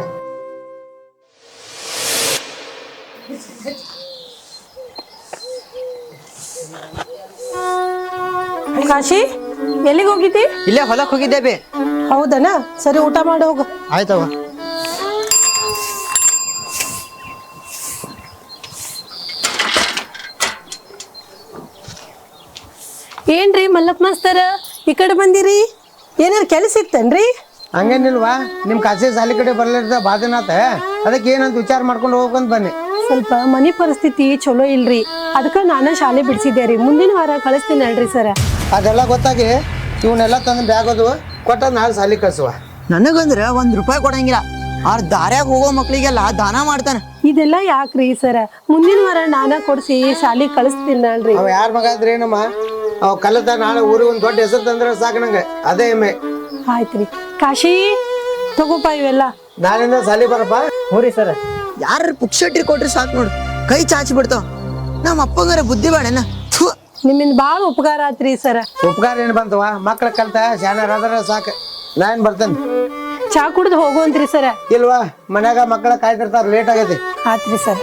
G: ಕಾಶಿ ಎಲ್ಲಿಗೆ ಹೋಗಿದ್ದಿ?
C: ಇಲ್ಲೇ ಹೊಲಕ್ ಹೋಗಿದ್ದೆ ಬೇ.
G: ಹೌದನ? ಸರಿ, ಊಟ ಮಾಡಿ ಹೋಗು.
C: ಆಯ್ತವ.
G: ಏನ್ರಿ ಮಲ್ಲಪ್ಪ ಮಾಸ್ತರ ಈ ಕಡೆ ಬಂದಿರಿ? ಏನಾರ ಕೆಲಸ ಇತ್ತೇನ್ರಿ?
A: ಹಂಗೇನಿಲ್ವಾ, ನಿಮ್ಮ ಖಾಸಗಿ ಶಾಲೆ ಕಡೆ ಬರ್ಲಿರ್ದ ಬಾದಿನಾಥ, ಅದಕ್ಕೆ ಏನಂತ ವಿಚಾರ ಮಾಡ್ಕೊಂಡು ಹೋಗ್ಬೇಕಂತ ಬನ್ನಿ.
G: ಸ್ವಲ್ಪ ಮನಿ ಪರಿಸ್ಥಿತಿ ಚಲೋ ಇಲ್ರಿ, ಅದಕ್ಕೆ ನಾನು ಶಾಲೆ ಬಿಡಿಸಿದ್ದೆ ರೀ. ಮುಂದಿನ ವಾರ ಕಳಿಸ್ತೀನಿ ಅಲ್ರಿ ಸರ.
A: ಅದೆಲ್ಲ ಗೊತ್ತಾಗಿ ಇವನ್ನೆಲ್ಲ ತಂದು ಬ್ಯಾಗೋದು ಕೊಟ್ಟ ನಾಳೆ ಶಾಲೆ ಕಳ್ಸುವ.
C: ನನಗಂದ್ರ ₹1 ಕೊಡಂಗಿಲ್ಲ. ಆರ್ ದಾರ್ಯಾಗ ಹೋಗೋ ಮಕ್ಳಿಗೆಲ್ಲ ದಾನ ಮಾಡ್ತಾನ.
G: ಇದೆಲ್ಲ ಯಾಕ್ರಿ ಸರ? ಮುಂದಿನ ವಾರ ನಾನ ಕೊಡ್ಸಿ ಶಾಲೆ ಕಳಿಸ್ತೀನಿ ಅಲ್ರಿ.
A: ಅವ ಯಾರ ಮಗ ಆದ್ರೆ ಏನಮ್ಮ, ಅವ್ ಕಲಿತ ನಾಳೆ ಊರಿಗೆ ಒಂದು ದೊಡ್ಡ ಹೆಸರು ತಂದ್ರೆ ಸಾಕು ನಂಗೆ, ಅದೇ ಹೆಮ್ಮೆ.
G: ಆಯ್ತ್ರಿ. ಕಾಶಿ ತಗೋಪ ಇವೆಲ್ಲ.
A: ನಾಳಿಂದ ಶಾಲೆ ಬರಪ್ಪ.
C: ಹೋರಿ ಸರ. ಯಾರ ಪುಕ್ಷಟ್ರಿ ಕೊಟ್ರಿ ಸಾಕು ನೋಡು, ಕೈ ಚಾಚಿ ಬಿಡ್ತಾವ. ನಮ್ಮ ಅಪ್ಪಂಗಾರ ಬುದ್ಧಿ ಬೇಡನ.
G: ನಿಮ್ಮಿಂದ ಬಾಳ ಉಪಕಾರ ಆತ್ರಿ ಸರ.
A: ಉಪಕಾರ ಏನ್ ಬಂತವ, ಮಕ್ಳ ಕಲ್ತ ಶಾಣರಾದ್ರೆ ಸಾಕು. ನಾನ್ ಬರ್ತೇನೆ.
G: ಚಾ ಕುಡ್ದು ಹೋಗುವಂತ್ರಿ ಸರ?
A: ಇಲ್ವಾ, ಮನ್ಯಾಗ ಮಕ್ಕಳ ಕಾಯ್ತಿರ್ತಾರ, ಲೇಟ್ ಆಗೈತಿ.
G: ಆತ್ರಿ ಸರ್.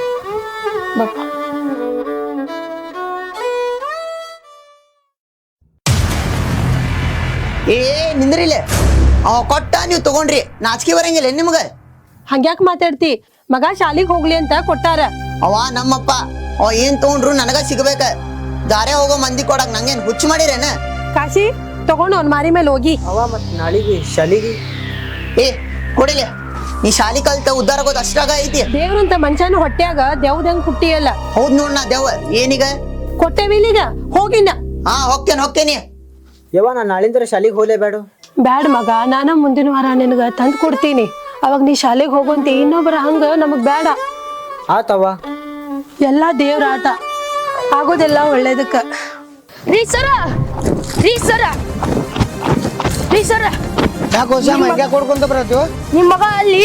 C: ಏ ನಿಂದ್ರಿಲೆ, ಅವ ಕೊಟ್ಟ ನೀವು ತಗೊಂಡ್ರಿ, ನಾಚಿಕೆ ಬರಂಗಿಲ್ಲ ನಿಮ್ಗ?
G: ಹಂಗ್ಯಾಕ್ ಮಾತಾಡ್ತಿ? ಮಗ ಶಾಲಿಗ್ ಹೋಗ್ಲಿ ಅಂತ ಕೊಟ್ಟಾರ.
C: ಅವ ನಮ್ಮಪ್ಪ, ಅವ ಏನ್ ತಗೊಂಡ್ರು ನನಗ ಸಿಗ್ಬೇಕ. ದಾರೆ ಹೋಗೋ ಮಂದಿ ಕೊಡಕ್ ನಂಗೇನ್ ಹುಚ್ಚು ಮಾಡಿರೇನ?
G: ಕಾಶಿ ತಗೊಂಡು ಅವ್ನ ಮಾರಿ ಮೇಲೆ ಹೋಗಿ.
C: ಅವ ಮತ್ ನಾಳಿಗೆ ಶಾಲಿಗೆ ಏ ಕೊಡಿಲೆ. ನೀ ಶಾಲಿ ಕಲ್ತ ಉದ್ದಾರ ಆಗೋದು ಅಷ್ಟಾಗ ಐತಿ.
G: ದೇವ್ರಂತ ಮನುಷ್ಯನ ಹೊಟ್ಯಾಗ ದೇವ್ದಂಗ್ ಹುಟ್ಟಿಯಲ್ಲ.
C: ಹೌದ್ ನೋಡ್, ನಾ ದೇವ ಏನೀಗ
G: ಕೊಟ್ಟೆವಿಲೀಗ ಹೋಗಿನ.
C: ಹಾ ಹೋಗ್ತೇನಿ.
I: ಯವ್ವ, ನಾ ನಾಳಿಂದ ಶಾಲಿಗೆ ಹೋಗ್ಲೇಬೇಡ.
G: ಬ್ಯಾಡ್ ಮಗ, ನಾನ ಮುಂದಿನ ವಾರ ನಿನಗ ತಂದ್ ಕೊಡ್ತೀನಿ. ಅವಾಗ ನೀ ಶಾಲೆಗೆ ಹೋಗುವಂತಿ. ಇನ್ನೊಬ್ಬರ ಹಂಗ ನಮಗ್ ಬೇಡ.
I: ಆತವ್ವ.
G: ಎಲ್ಲಾ ದೇವ್ರ ಆಟ, ಆಗೋದೆಲ್ಲ ಒಳ್ಳೇದಕ್ಕ.
B: ರೀ ಸರ, ರೀ ಸರ, ರೀ ಸರ,
A: ಯಾಕೋ ಶ್ಯಾಮ ಹಿಂಗ್ಯಾಕ್ ಕೊಡ್ಕೊಂತ ಬರತ್ತೀವ?
B: ನಿಮ್ ಮಗ ಅಲ್ಲಿ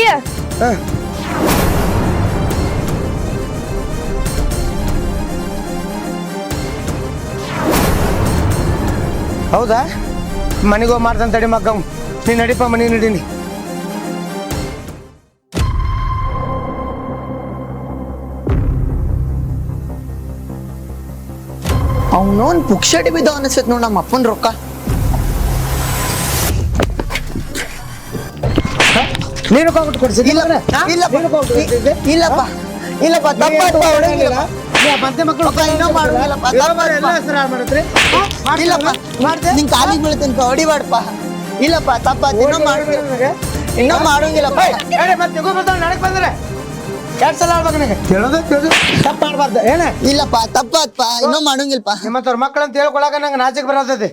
A: ಹೌದಾ? ಮನೆಗೆ ಹೋಗಿ ಮಾಡ್ತಾನೆ ತಡಿ ಮಕ್ಕ. ನೀ ನಡಿಪ, ಮನೆ ನಡೀನಿ.
C: ಅವನೋನ್ ಪುಕ್ಷಟಿ ಬಿದ್ದ ಅನಿಸತ್ ನೋಡ್ ನಮ್ಮ ಅಪ್ಪನ ರೊಕ್ಕ.
A: ನೀನು ಕೊಟ್ಟು ಕೊಡ್ಸಿದ್ದಿ?
C: ಇಲ್ಲಪ್ಪ, ಇಲ್ಲಪ್ಪ ತಪ್ಪಾತ್ಪ ಹೊಡೆಯಂಗಿಲ್ಲ
A: ಮತ್ತೆ ಮಕ್ಕಳು
C: ಇನ್ನೂ ಮಾಡೋಂಗಿಲ್ಲಪ್ಪ
A: ಎಲ್ಲ ಹೆಸರು ಹಾಳು ಮಾಡತ್ರಿ
C: ಇಲ್ಲಪ್ಪ ನಿನ್ ಕಾಲಿಗೆ ಬೀಳ್ತೇನಪ್ಪ ಹೊಡಿಬಾರ್ದಪ್ಪ ಇಲ್ಲಪ್ಪ ತಪ್ಪಾತ್ ಇನ್ನೂ ಮಾಡೋಂಗಿಲ್ಲಪ್ಪ
A: ಮತ್ತೆ ನಡಕ್ ಬಂದ್ರೆ 2 ಸಲ ಆಡ್ಬೇಕು ನನಗೆ ಕೇಳೋದು ತಪ್ಪು ಆಡ್ಬಾರ್ದು ಏನ
C: ಇಲ್ಲಪ್ಪ ತಪ್ಪಾತ್ಪ ಇನ್ನೂ ಮಾಡೋಂಗಿಲ್ಲಪ್ಪ
A: ನಿಮ್ಮಂತವ್ರ ಮಕ್ಕಳಂತ ಹೇಳ್ಕೊಳಕ ನಂಗೆ ನಾಚಿಕೆ ಬರತೈತಿ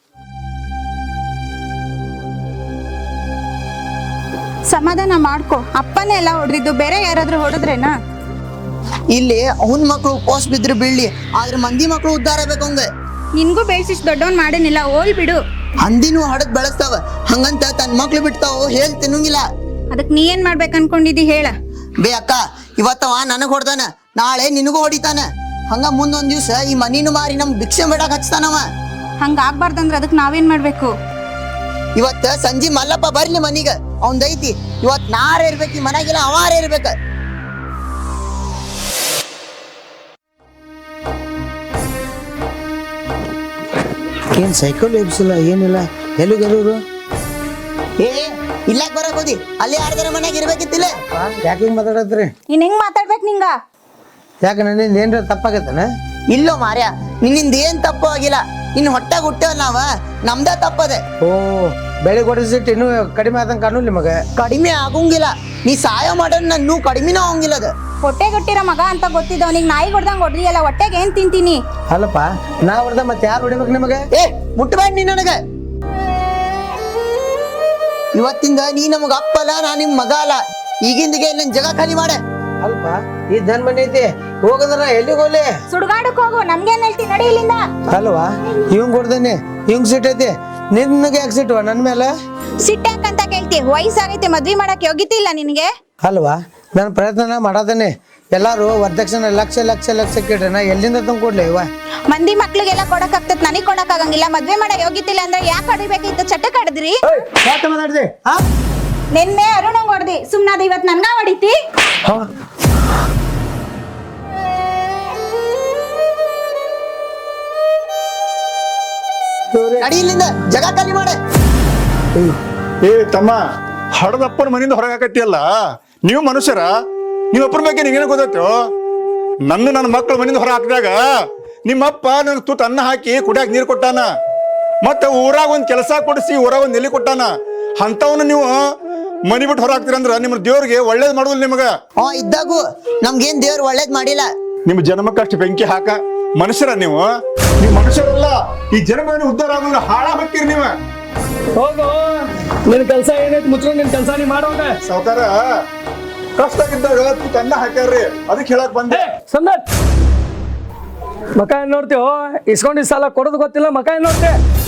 B: ಸಮಾಧಾನ ಮಾಡ್ಕೊ ಅಪ್ಪನೇ ಎಲ್ಲ ಹೊಡೆದಿದ್ದು ಬೇರೆ ಯಾರಾದ್ರೂ ಹೊಡೆದ್ರೇನಾ
C: ಇಲ್ಲಿ ಅವನ್ ಮಕ್ಳು ಉಪವಾಸ ಬಿದ್ರೆ ಬೀಳ್ಲಿ ಆದ್ರೆ ಮಂದಿ ಮಕ್ಳು ಉದ್ಧಾರ ಆಗ್ಬೇಕು ಅವಂಗ
B: ನಿನ್ಗೂ ಬೇಯಿಸಿಸ್ ದೊಡ್ಡವನ್ ಮಾಡೇನಿಲ್ಲ ಓಲ್ ಬಿಡು
C: ಹಂದಿನೂ ಹಡದ್ ಬೆಳೆಸ್ತಾವ ಹಂಗಂತ ತನ್ ಮಕ್ಳು ಬಿಡ್ತಾವ ಹೇಳ್ ತಿನ್ನಂಗಿಲ್ಲ
B: ಅದಕ್ ನೀ ಏನ್ ಮಾಡ್ಬೇಕು ಅನ್ಕೊಂಡಿದ್ದಿ ಹೇಳ
C: ಬೇ ಅಕ್ಕ ಇವತ್ತವ ನನಗ್ ಹೊಡ್ದಾನ ನಾಳೆ ನಿನಗೂ ಹೊಡಿತಾನ ಹಂಗ ಮುಂದೊಂದ್ ದಿವ್ಸ ಈ ಮನಿನು ಮಾರಿ ನಮ್ ಭಿಕ್ಷೆ ಬೇಡಕ್ ಹಚ್ತಾನವ
B: ಹಂಗ ಆಗ್ಬಾರ್ದಂದ್ರ ಅದಕ್ ನಾವೇನ್ ಮಾಡ್ಬೇಕು
C: ಇವತ್ತ ಸಂಜೆ ಮಲ್ಲಪ್ಪ ಬರ್ಲಿ ಮನಿಗ ಅವಂದೈತಿ ಇವತ್ ನಾರ ಇರ್ಬೇಕು ಈ ಮನ್ಯಾಗಿಲ್ಲ ಅವಾರ ಇರ್ಬೇಕ
A: ಏನ್ ಸೈಕಲ್ ಎಬ್ಸಿಲ್ಲ ಏನಿಲ್ಲ ಎಲ್ಲಿಗೆಲ್ಲೂರು
C: ಏ ಇಲ್ಲಾಕ್ ಬರಕ್ ಹೋದಿ ಅಲ್ಲಿ ಯಾರ್ದಾರ ಮನ್ಯಾಗ ಇರ್ಬೇಕಿತ್ತಿಲ್ಲ
A: ಯಾಕೆ ಹಿಂಗ್ ಮಾತಾಡತ್ರಿ
B: ನೀನ್ ಹೆಂಗ್ ಮಾತಾಡ್ಬೇಕು ನಿಂಗ
A: ಯಾಕೆ ನನ್ನಿಂದ ಏನ್ರ ತಪ್ಪಾಗೈತನ
C: ಇಲ್ಲೋ ಮಾರ್ಯ ನಿನ್ನಿಂದ ಏನ್ ತಪ್ಪು ಆಗಿಲ್ಲ ಇನ್ ಹೊಟ್ಟಾಗ ಹುಟ್ಟೇವ್ ನಾವ ನಮ್ದ ತಪ್ಪದೆ
A: ಓ ಬೆಳಿಗ್ಗೆ ಹೊಡಿಸಿಟ್ಟು ಇನ್ನೂ ಕಡಿಮೆ ಆದಂಗೆ ಕಾಣುಲ್ಲ ನಿಮಗೆ
C: ಕಡಿಮೆ ಆಗಂಗಿಲ್ಲ ನೀ ಸಹಾಯ ಮಾಡೋದ್ ನನ್ನೂ ಕಡಿಮೆನೂ ಆಗಂಗಿಲ್ಲ ಅದ
B: ಹೊಟ್ಟೆಗೊಟ್ಟಿರೋ ಮಗ ಅಂತ ಗೊತ್ತಿದ್ದವ್ ನಿಂಗ್ ನಾಯಿ ಹೊಡ್ದಂಗ್ ಹೊಡ್ದಿಯಲ್ಲ ಹೊಟ್ಟೆಗೆ ಏನ್ ತಿಂತೀನಿ
A: ಅಲ್ಲಪ್ಪ ನಾ ಹೊಡೆದ ಮತ್ತೆ ಯಾರು ಹೊಡಿಬೇಕು ನಿಮಗೆ
C: ಏ ಮುಟ್ಬೇಡ ನೀ ನನಗ ಇವತ್ತಿಂದ ನೀ ನಮಗ ಅಪ್ಪಲ್ಲ ನಾ ನಿಮ್ ಮಗ ಅಲ್ಲ ಈಗಿಂದಿಗೆ ನನ್ ಜಗ ಖಾಲಿ ಮಾಡೆ
A: ಅಲ್ಪ ಈ ದನ್ ಮನೆ ಐತಿ ಹೋಗದ್ರ ಎಲ್ಲಿಗೆ ಹೋಗ್ಲಿ
B: ಸುಡ್ಗಾಡಕ್ ಹೋಗು ನಮ್ಗೇನ್ ಹೇಳ್ತಿ ನಡಿ ಇಲ್ಲಿಂದ
A: ಅಲ್ವಾ ಇವಂಗ್ ಹೊಡ್ದೇನೆ ಇವಂಗ್ ಸಿಟ್ ಐತಿ ನಿನ್ಗೆ ಯಾಕೆ ಸಿಟ್ಟುವ ನನ್ ಮೇಲೆ
B: ಸಿಟ್ಟಾಕಂತ ಕೇಳ್ತಿ ವಯಸ್ಸಾಗೈತೆ ಮದ್ವಿ ಮಾಡಕ್ ಯೋಗ್ಯತೆ ಇಲ್ಲ ನಿನ್ಗೆ
A: ಅಲ್ವಾ ನಾನು ಪ್ರಯತ್ನ ಮಾಡೋದೇನೆ ಎಲ್ಲಾರು ವರದಕ್ಷಿಣೆ ಲಕ್ಷ ಲಕ್ಷ ಲಕ್ಷ ಕೇಳ್ರಿ ನಾ ಎಲ್ಲಿಂದ ತಂದು ಕೊಡ್ಲಿ ಇವ
B: ಮಂದಿ ಮಕ್ಳಿಗೆಲ್ಲ ಕೊಡಕ್ ಆಗ್ತತ್ ನನಗ್ ಕೊಡಕ್ ಆಗಂಗಿಲ್ಲ ಮದ್ವೆ ಮಾಡಕ್ ಯೋಗ್ಯತೆ ಇಲ್ಲ ಅಂದ್ರೆ ಯಾಕೆ ಹೊಡಿಬೇಕಿತ್ತು ಚಟಕ್ ಆಡಿದ್ರಿ
A: ಯಾಕೆ ಮಾತಾಡ್ದೆ
B: ನಿನ್ನೆ ಅರುಣಂಗ್ ಹೊಡ್ದಿ ಸುಮ್ನಾದ ಇವತ್ ನನ್ಗ ಹೊಡಿತಿ
C: ನಡಿ ಇಲ್ಲಿಂದ ಜಗ ಖಾಲಿ ಮಾಡೆ
J: ಏ ತಮ್ಮ ಹಡದಪ್ಪನ ಮನೆಯಿಂದ ಹೊರಗಾಕತ್ತಿಯಲ್ಲ ನೀವು ಮನುಷ್ಯರ ನೀವಪ್ಪನ ಬಗ್ಗೆ ನಿಂಗೇನು ಗೊತ್ತಾಯ್ತು ನನ್ನ ಮಕ್ಕಳ ಮನೆಯಿಂದ ಹೊರ ಹಾಕಿದಾಗ ನಿಮ್ಮಪ್ಪ ನನಗೆ ತುತ್ತು ಅನ್ನ ಹಾಕಿ ಕುಡಿಯಾಕ ನೀರು ಕೊಟ್ಟಾನ ಮತ್ತೆ ಊರಾಗ ಒಂದು ಕೆಲಸ ಕೊಡಿಸಿ ಊರಾಗ ಒಂದು ನೆಲೆ ಕೊಟ್ಟಾನ ಅಂತವನ್ನ ನೀವು ಮನಿ ಬಿಟ್ಟು ಹೊರ ಹಾಕ್ತೀರಂದ್ರ ನಿಮ್ಮ ದೇವ್ರಿಗೆ ಒಳ್ಳೇದ್ ಮಾಡುದಿಲ್ಲ ನಿಮಗ
C: ಇದ್ದಾಗೂ ನಮ್ಗೇನ್ ದೇವ್ರು ಒಳ್ಳೇದ್ ಮಾಡಿಲ್ಲ
J: ನಿಮ್ಮ ಜನ್ಮಕ್ಕಷ್ಟು ಬೆಂಕಿ ಹಾಕ ಮನುಷ್ಯರ ನೀವು ಮನುಷ್ಯರಲ್ಲ ಈ ಜನ್ಮ ಉದ್ಧಾರ ಆಗೋಲ್ಲ ಹಾಳ ಹಾಕ್ತೀರಿ ನೀವು
H: ಹೋಗು ನಿನ್ ಕೆಲ್ಸ ಏನೈತಿ ಮುಚ್ಕೊಂಡು ನಿನ್ ಕೆಲ್ಸ ನೀ ಮಾಡೋಗ
J: ಸಾವುಕಾರ ಕಷ್ಟ ಇದ್ದಾಗ ತುತ್ತು ಅನ್ನ ಹಾಕ್ಯಾರ್ರಿ ಅದಕ್ಕೆ ಹೇಳಕ್ ಬಂದೆ
H: ಸಂದತ್ ಮಕ ಏನ್ ನೋಡ್ತೀವೋ ಇಸ್ಕೊಂಡಿದ್ ಸಾಲ ಕೊಡೋದು ಗೊತ್ತಿಲ್ಲ ಮಕ ಏನ್ ನೋಡ್ತಿ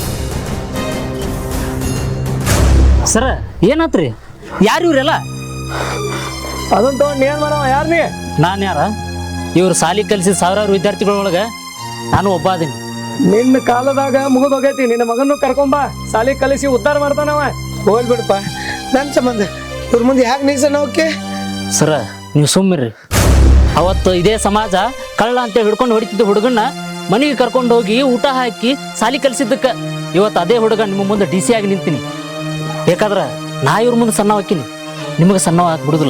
I: ಸರ ಏನಾತ್ರಿ ಯಾರು ಇವ್ರೆಲ್ಲ
H: ಅದನ್ನ ತಗೊಂಡ್ ಏನ್ ಮಾಡವ ಯಾರ್ ನೀ
I: ನಾನು ಯಾರ ಇವ್ರು ಸಾಲಿ ಕಲಿಸಿದ ಸಾವಿರಾರು ವಿದ್ಯಾರ್ಥಿಗಳೊಳಗ ನಾನು ಒಬ್ಬ ಅದೀನಿ
H: ನಿನ್ನ ಕಾಲದಾಗ ಮುಗಿದೋಗೈತಿ ನಿನ್ನ ಮಗನ್ನು ಕರ್ಕೊಂಬಾ ಸಾಲಿ ಕಲಿಸಿ ಉದ್ಧಾರ ಮಾಡ್ತಾನವ
A: ಹೋಲ್ ಬಿಡಪ್ಪ ನನ್ನ ಸಂಬಂಧ ಇವ್ರ ಮುಂದೆ ಯಾಕೆ ನಿಲ್ಸಣ ಓಕೆ
I: ಸರ ನೀವು ಸುಮ್ಮಿರ್ರಿ ಅವತ್ತು ಇದೇ ಸಮಾಜ ಕಳ್ಳ ಅಂತ ಹಿಡ್ಕೊಂಡು ಹೊಡಿತಿದ್ದ ಹುಡುಗನ್ನ ಮನೆಗೆ ಕರ್ಕೊಂಡು ಹೋಗಿ ಊಟ ಹಾಕಿ ಸಾಲಿ ಕಲಿಸಿದ್ದಕ್ಕೆ ಇವತ್ತು ಅದೇ ಹುಡುಗ ನಿಮ್ಮ ಮುಂದೆ ಡಿ ಸಿ ಆಗಿ ನಿಂತೀನಿ ಬೇಕಾದ್ರ ನಾ ಇವ್ರ ಮುಂದೆ ಸಣ್ಣ ಹಾಕಿನಿ ನಿಮಗೆ ಸಣ್ಣ ಬಿಡುದಿಲ್ಲ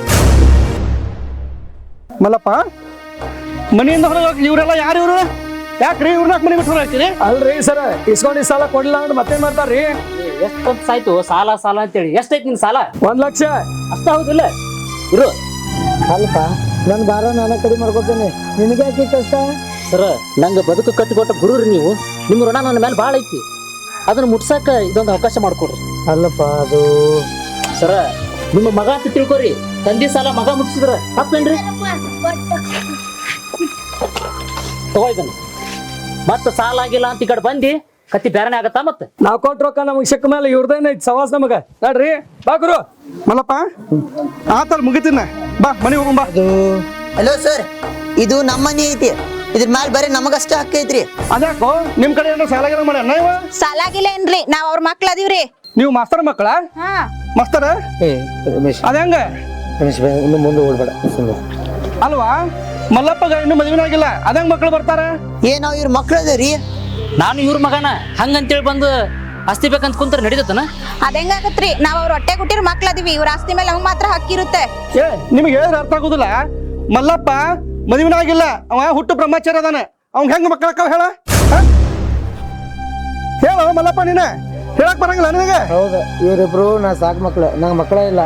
H: ಮಲ್ಲಪ್ಪ ಮನೆಯಿಂದ ಹೊರಗೆ ಇವರೆಲ್ಲ ಯಾರು ಇವ್ರು ಯಾಕ್ರಿ ಇವ್ರನ್ನ ಮನೆ ಬಿಟ್ಟು ಹಾಕಿರಿ ಅಲ್ರಿ ಸರ ಇಸ್ಕೊಂಡಿದ್ ಸಾಲ ಕೊಡ್ಲಿಲ್ಲ ಅಂದ್ರೆ ಮತ್ತೇನ್ ಮಾಡ್ತಾರ್ರಿ
I: ಎಷ್ಟೊಂದು ಸಾಯ್ತು ಸಾಲ ಸಾಲ ಅಂತೇಳಿ ಎಷ್ಟೈತಿ ನಿನ್ ಸಾಲ
H: 1 ಲಕ್ಷ
I: ಅಷ್ಟ ಹೌದಿಲ್ಲ ಇರು
A: ಅಲ್ಪ ನನ್ನ ಭಾರ ನಾನು ಕಡಿಮೆ ಮಾಡ್ಕೊತೇನೆ ನಿನಗೆ ಯಾಕೆ ಕಷ್ಟ
I: ಸರ ನಂಗೆ ಬದುಕು ಕಟ್ಟಿಕೊಟ್ಟ ಗುರುರಿ ನೀವು ನಿಮ್ಮ ಋಣ ನನ್ನ ಮೇಲೆ ಭಾಳ ಐತಿ ಅದನ್ನ ಮುಟ್ಸಾಕ ಇದೊಂದು ಅವಕಾಶ ಮಾಡ್ಕೊಡ್ರಿ
A: ಅಲ್ಲಪ್ಪ ಅದು
I: ಸರ ನಿಮ್ಮ ಮಗ ಅಂತ ತಿಳ್ಕೊರಿ ತಂದೆ ಸಾಲ ಮಗ ಮುಟ್ಸಿದ್ರ ತಪ್ಪೇನ್ರಿ ತಗೋ ಇದನ್ನ ಮತ್ತೆ ಸಾಲ ಆಗಿಲ್ಲ ಅಂತ ಈ ಕಡೆ ಬಂದಿ ಕತ್ತಿ ಬೇರೆನೆ ಆಗತ್ತಾ ಮತ್ತೆ
H: ನಾವ್ ಕೊಟ್ಟ ರೊಕ್ಕ ನಮಗ್ ಸಿಕ್ಕ ಮೇಲೆ ಇವ್ರದೇನೈತಿ ಸವಾಸ್ ನಮಗ ನೋಡ್ರಿ ಬಾ ಗುರು ಮಲ್ಲಪ್ಪ ಆತಲ್ ಮುಗಿತೀನ ಬಾ ಮನೆ ಹೋಗಂಬಾ
A: ಅದು
C: ಹಲೋ ಸರ್ ಇದು ನಮ್ಮ ಮನಿ ಐತಿ ಇದ್ರ ಮ್ಯಾಲ ಬರೀ ನಮಗಷ್ಟ ಹಕ್ಕ ಐತ್ರಿ
H: ಅದ್ಯಾಕೋ ನಿಮ್ ಕಡೆ ಏನೋ ಸಾಲ ಗಿಲ ಮಾಡ್ಯಾನ ಇವ
B: ಸಾಲಾಗಿಲ್ಲ ಏನ್ರಿ ನಾವ್ ಅವ್ರ ಮಕ್ಳ ಅದೀವ್ರಿ
H: ನೀವು ಮಾಸ್ತರ್ ಮಕ್ಕಳ
B: ಹಾ
H: ಮಾಸ್ತರ
A: ರಮೇಶ್
H: ಅದ ಹೆಂಗ
A: ರಮೇಶ್ ಇನ್ನು ಮುಂದೆ ಓಡ್ಬೇಡ
H: ಅಲ್ವಾ ಮಲ್ಲಪ್ಪಗ ಇನ್ನು ಮದುವೆ ಆಗಿಲ್ಲ ಅದಂಗ ಮಕ್ಳು ಬರ್ತಾರ
C: ನಾವ್ ಇವ್ರ ಮಕ್ಳು ಅದೇರಿ
I: ನಾನು ಇವ್ರ ಮಗನ ಹಂಗಂತೇಳಿ ಬಂದು ಆಸ್ತಿ ಬೇಕಂತ ಕುಂತ್ರ ನಡೀತನ
B: ಅದ ಹೆಂಗಾಗತ್ರಿ ನಾವ್ ಅವ್ರ ಹೊಟ್ಟೆ ಹುಟ್ಟಿರ ಮಕ್ಳ ಅದೀವಿ ಇವ್ರ ಆಸ್ತಿ ಮೇಲೆ ನಮ್ಗ್ ಮಾತ್ರ ಹಕ್ಕಿರುತ್ತೆ
H: ಏ ನಿಮ್ಗೆ ಹೇಳಿದ್ರೆ ಅರ್ಥ ಆಗುದಿಲ್ಲ ಮಲ್ಲಪ್ಪ ಮದುವಿನಾಗಿಲ್ಲ ಅವ ಹುಟ್ಟು ಬ್ರಹ್ಮಚಾರಿ ಅದಾನ ಅವ್ನ್ ಹೆಂಗ್ ಮಕ್ಕಳಕ್ಕ ಹೇಳ ಹೇಳು ಮಲ್ಲಪ್ಪ ನೀನ ಹೇಳಕ್ ಬರಂಗಿಲ್ಲ ನಿನಗೆ
A: ಹೌದು ಇವರಿಬ್ರು ನಾ ಸಾಕು ಮಕ್ಳು ನಂಗೆ ಮಕ್ಕಳೇ ಇಲ್ಲ.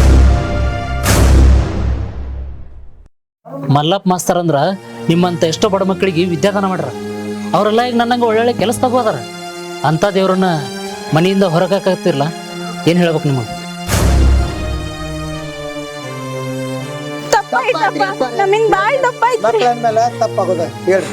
I: ಮಲ್ಲಪ್ಪ ಮಾಸ್ತರ್ ಅಂದ್ರ ನಿಮ್ಮಂತ ಎಷ್ಟೋ ಬಡ ಮಕ್ಕಳಿಗೆ ವಿದ್ಯಾದಾನ ಮಾಡ್ರ. ಅವರೆಲ್ಲ ಈಗ ನನ್ನಂಗೆ ಒಳ್ಳೊಳ್ಳೆ ಕೆಲಸ ತಗೋದಾರ. ಅಂತ ದೇವ್ರನ್ನ ಮನೆಯಿಂದ ಹೊರಗಾಕತ್ತಿರ್ಲ ಏನ್ ಹೇಳ್ಬೇಕು ನಿಮಗೆ?
B: ನಮ್ಮಿಂದ ಬಾಳ್ ತಪ್ಪಾಯ್ತು
A: ಮಕ್ಳ ಅಂದ್ಮೇಲೆ ತಪ್ಪಾಗೋದ ಹೇಳ್ರಿ.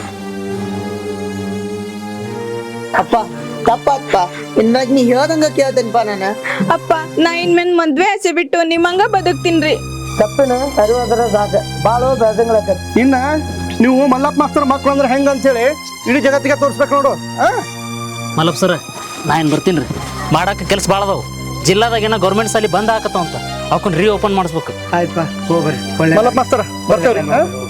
C: ಅಪ್ಪ ತಪ್ಪಪ್ಪ ಇನ್ಮ್ಯಾಗ ನೀ ಹೇಳ್ದಂಗ ಕೇಳ್ತೇನಪ್ಪ ನಾನು.
B: ಅಪ್ಪ ನಾ ಇನ್ಮೇಲೆ ಮದ್ವೆ ಆಸೆ ಬಿಟ್ಟು ನಿಮ್ಮಂಗ ಬದುಕ್ತೀನ್ರಿ.
A: ತಪ್ಪಿನ ಅರಿವಾದ್ರೆ ಸಾಕು ಭಾಳ ಬೆಳೆದಂಗಳಾಕತಿ.
H: ಇನ್ನ ನೀವು ಮಲ್ಲಪ್ಪ ಮಾಸ್ತರ್ ಮಕ್ಳು ಅಂದ್ರೆ ಹೆಂಗ ಅಂತೇಳಿ ಇಡೀ ಜಗತ್ತಿಗೆ ತೋರಿಸ್ಬೇಕು ನೋಡು.
I: ಮಲ್ಲಪ್ಪ ಸರ್ ನಾ ಏನು ಬರ್ತೀನಿ ರೀ. ಮಾಡಕ್ಕೆ ಕೆಲಸ ಭಾಳ ಅದಾವು. ಜಿಲ್ಲಾದಾಗ ಏನೋ ಗೌರ್ಮೆಂಟ್ ಸಾಲಿ ಬಂದ್ ಹಾಕತ್ತಾವ ಅಂತ ಅವಕ್ಕನ್ನ ರೀ ಓಪನ್ ಮಾಡಿಸ್ಬೇಕು.
A: ಆಯ್ತಪ್ಪ ಹೋಗ್ಬರ್ರಿ. ಒಳ್ಳೆ
H: ಮಲ್ಲಪ್ಪ ಮಾಸ್ತರ ಬರ್ತೇವ್ರಿ.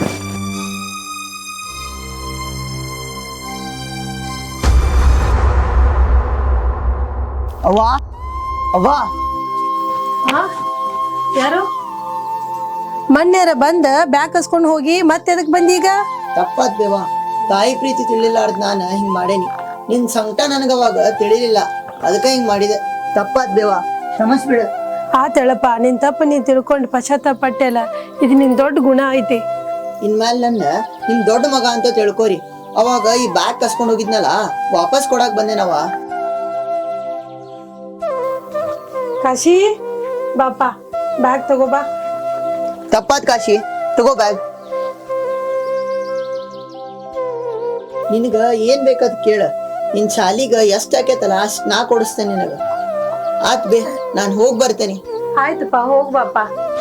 C: ಅವ್ವಾ ಅವ್ವಾ
G: ಯಾರು ಮೊನ್ನೆರ ಬಂದ ಬ್ಯಾಗ್ ಕಸ್ಕೊಂಡು ಹೋಗಿ ಮತ್ತೆ ಎದಕ್ ಬಂದಿ ಈಗ?
C: ತಪ್ಪಾತ್ ಬೇವಾ, ತಾಯಿ ಪ್ರೀತಿ ತಿಳಿಲಾರ್ದ ನಾನು ಹಿಂಗ್ ಮಾಡೇನಿ. ನಿನ್ ಸಂಕಟ ನನಗವಾಗ ತಿಳಿಲಿಲ್ಲ, ಅದಕ್ಕೆ ಹಿಂಗ್ ಮಾಡಿದೆ. ತಪ್ಪಾತ್ ಬೇವಾ, ಕ್ಷಮಿಸ್ಬಿಡು.
G: ಆತಳಪ್ಪ, ನಿನ್ ತಪ್ಪು ನೀನ್ ತಿಳ್ಕೊಂಡು ಪಶ್ಚಾತ್ತಾಪ ಪಟ್ಟೆಲ್ಲ. ಇದು ನಿನ್ ದೊಡ್ಡ ಗುಣ ಐತಿ.
C: ಇನ್ಮೇಲೆ ನನ್ನ ನಿಮ್ ದೊಡ್ಡ ಮಗ ಅಂತ ತಿಳ್ಕೊರಿ. ಅವಾಗ ಈ ಬ್ಯಾಗ್ ಕಸ್ಕೊಂಡ್ ಹೋಗಿದ್ನಲ್ಲ ವಾಪಸ್ ಕೊಡಾಕ್ ಬಂದೇನವ.
G: ಕಾಶಿ ಬಾಪ ಬ್ಯಾಗ್ ತಗೋ ಬಾ.
C: ತಪ್ಪಾತ್ ಕಾಶಿ, ತಗೋ ಬ್ಯಾಗ್. ನಿನಗ ಏನ್ ಬೇಕದ್ ಕೇಳ. ನಿನ್ ಶಾಲಿಗ ಎಷ್ಟ್ ಆಕೇತಲ್ಲ ಅಷ್ಟ್ ನಾ ಕೊಡಿಸ್ತೇನೆ ನಿನಗ. ಆತ್ ಬೇ, ನಾನ್ ಹೋಗ್ ಬರ್ತೇನೆ.
G: ಆಯ್ತಪ್ಪ ಹೋಗ್ ಬಾಪ.